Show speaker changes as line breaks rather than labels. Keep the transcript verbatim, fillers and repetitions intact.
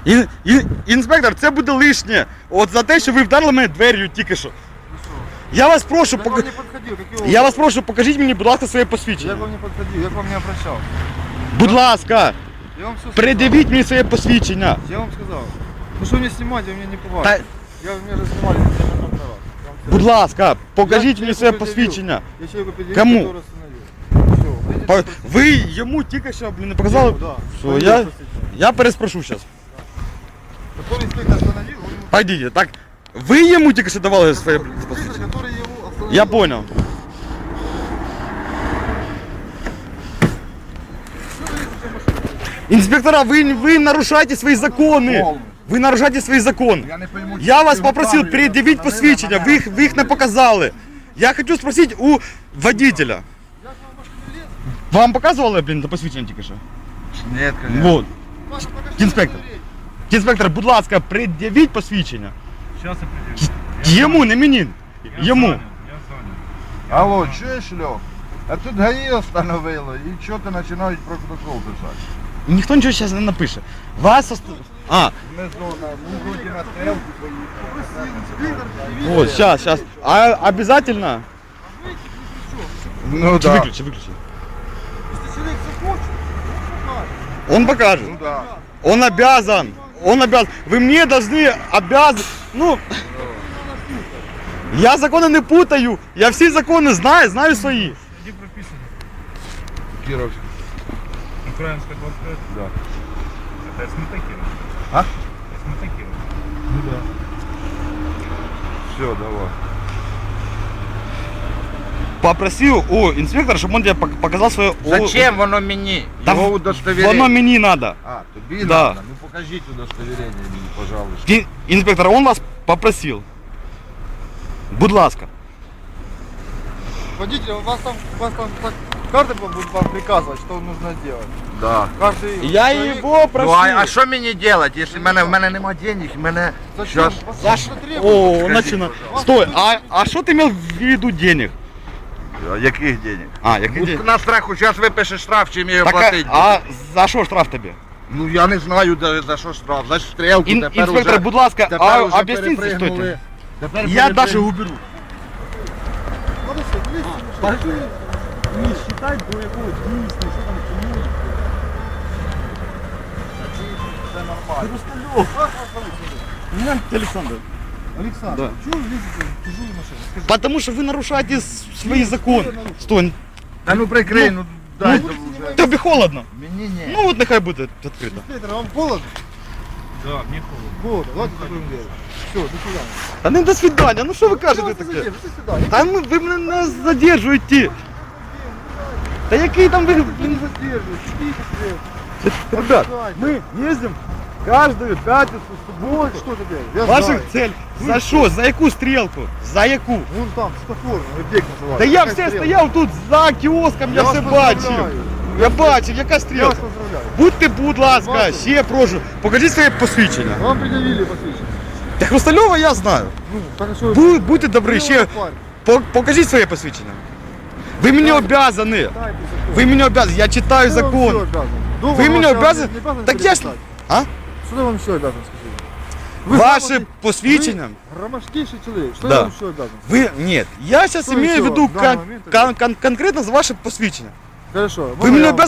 Ін, ін, інспектор, це буде лишнє. От за те, що ви вдарили мене двер'ю тільки що. Я вас прошу,
Я
пока...
вам не подходил, какие
я вас прошу, покажіть мені, будь ласка, своє
Я
посвідчення.
к вам не подходил, я к вам не обращался.
Будь ласка,
Я вам все сказал.
пред'явіть мені своє посвідчення.
Я вам сказал. Ну что мне снимать, вы мне не
Та,
повадите. Я меня же снимали на тебя на права.
будь ласка, покажіть
Я
мені
человеку
своє
предъявил.
посвідчення.
Я человеку предъявил,
Кому?
который остановил. Все, выйдите
По-
на процедуру.
Ви йому тільки що, блін, не показали?
Да.
Все,
Пойдите
я,
на процедуру.
я переспрошу зараз.
Который инспектор остановил, вы ему...
Пойдіть, так, ви йому тільки що давали своє
Инспектор,
посвідчення?
который его остановил.
Я понял.
Что вы лезете в машину?
Инспектора, вы, вы нарушаете свои законы. Вы нарушаете свои законы.
Я не пойму,
Я
чи
вас
ви
попросив
вправі
пред'явити
встановили
посвідчення,
мене.
ви їх, ви їх не показали. Я хочу спросити у водителя.
Я к вам в машину лез?
Вам показували, блін, посвідчення тільки що?
Нет, конечно.
Вот.
Паша, покажи
Інспектор.
удостоверение.
Інспектор, будь ласка, пред'явіть посвідчення.
Сейчас я предъявлю.
Йому, не мені.
Я
Йому.
занят, Я занят.
Алло, чуєш, Льох? А тут ГАІ остановило, і що ти починають протокол писати?
Ніхто нічого зараз не напише. Вас ост... А,
Ми знову на вроді на стрелку поїхали.
вот, сейчас, сейчас. А обязательно?
Ну
Чи
да.
виключи, виключи.
Если человек захочет,
Он покажет.
Ну да.
Он обязан. Он обязан. Вы мне должны обязан. Ну, я законы не путаю. Я все законы знаю, знаю свои.
Где прописано?
Кіровськ.
Украинская двадцать пять?
Да.
Это СМТ Киров.
А?
СМТ Киров.
Ну да. Все, давай.
Попросил у инспектора, чтобы он тебе пок- показал свое...
Зачем воно мені?
Да
Його
в-
удостовірення.
Воно мені надо.
А, тобі
Да.
надо? Ну покажіть удостовірення мені, пожалуйста.
Ин- Инспектор, он вас попросил. Будь ласка.
водитель, у вас там, у вас там так, каждый будет вам приказывать, что нужно делать.
Да.
Каждый
Я
человек-
его
Ну
просил.
а, а що мені робити, якщо в мене, в мене нема денег, в мене...
Зачем?
Щас-
Вас
За
что-то
ш-
требует.
О, начина. Стой, а, а что ты имел в виду денег?
А яких денег?
А, яких
Ну,
денег?
на страху, зараз випишеш штраф, чим я його
Так,
платити.
а, а за що штраф тобі?
Ну я не знаю, за, за що штраф, за стрілку,
Ін-
тепер
інспектор,
уже,
будь ласка,
тепер
а
уже
об'ясніть,
перепригнули.
стойте.
Тепер
Я
перепригнули.
даже уберу.
Надо все, влезьте в машину.
Не считать до якого дійсно, що там чому.
Це нормально.
Как вас зовут?
Меня Александр.
Александр,
Да.
чего вы лезете в чужую машину? Скажите.
Потому что вы нарушаете с- свои законы. Стой,
Та ну прикрий, ну дай там уже.
тобі холодно.
Мені ні.
Ну вот нехай буде відкрито.
Инспектор, вам холодно?
Да, мне холодно.
Холодно, давайте закроем дверь. Все, до свидания.
Та не до свидання, ну що ви кажете
Давайте
таке?
задержим, до свидания.
Та ми, ви мене не задержуєте. Та який там ви...
Не
блін,
задерживайте, идите себе.
Ребят, мы ездим каждую пятницу,
Вот
субботу.
что теперь? Я
Ваша
знаю.
цель. За що? За яку стрілку? За яку?
Вон там, светофор, объект называется.
Та я
Какая
все
стрелка?
стояв тут за кіоском, я
Я
все
вас
бачив.
поздравляю.
Я бачив, яка
Я вас
стрілка.
поздравляю.
Будьте, будь ласка,
Бачу.
ще прошу. Покажіть своє посвідчення.
Вам предъявили посвящение.
Та Хрустальова я знаю.
Ну, так а что?
Будь, будьте добрі, ще по- покажіть своє посвідчення. Ви мені обязані. Ви мені обязані, я читаю закон. Ви мені обязані. Так я ж... А?
Что я вам еще обязан сказать? Вы
Ваше
грамотный-
посвідчення.
вы громоздкейший человек. Что
Да.
я вам еще обязан?
Ви, ні, я зараз
Що
имею в
ще
виду
в даний
кон-
момент
кон- кон- конкретно за ваше посвідчення.
Хорошо.
Ви
можно
мені
я вам-
обязані